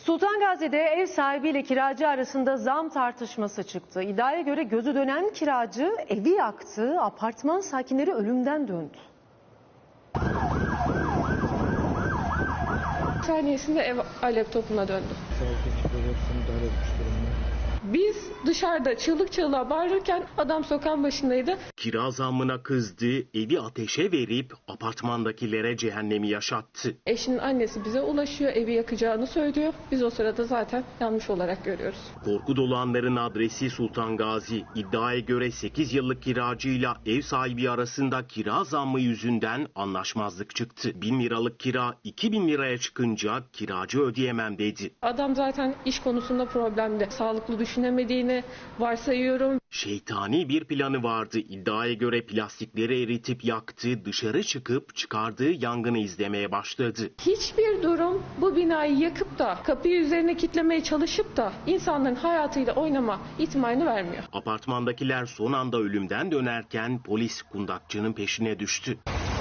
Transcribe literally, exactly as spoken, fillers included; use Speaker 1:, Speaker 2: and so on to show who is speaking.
Speaker 1: Sultan Gazi'de ev sahibiyle kiracı arasında zam tartışması çıktı. İddiaya göre gözü dönen kiracı evi yaktı, apartman sakinleri ölümden döndü.
Speaker 2: Saniyesinde ev alev topuna döndü. Biz dışarıda çığlık çığlığa bağırırken adam sokağın başındaydı.
Speaker 3: Kira zammına kızdı, evi ateşe verip apartmandakilere cehennemi yaşattı.
Speaker 2: Eşinin annesi bize ulaşıyor, evi yakacağını söylüyor. Biz o sırada zaten yanlış olarak görüyoruz.
Speaker 3: Korku dolu anların adresi Sultan Gazi. İddiaya göre sekiz yıllık kiracıyla ev sahibi arasında kira zammı yüzünden anlaşmazlık çıktı. bin liralık kira iki bin liraya çıkınca kiracı ödeyemem dedi.
Speaker 2: Adam zaten iş konusunda problemde. Sağlıklı düşünemediğini varsayıyorum.
Speaker 3: Şeytani bir planı vardı. İddiaya göre plastikleri eritip yaktı, dışarı çıkıp çıkardığı yangını izlemeye başladı.
Speaker 2: Hiçbir durum bu binayı yakıp da kapıyı üzerine kilitlemeye çalışıp da insanların hayatıyla oynama ihtimalini vermiyor.
Speaker 3: Apartmandakiler son anda ölümden dönerken polis kundakçının peşine düştü.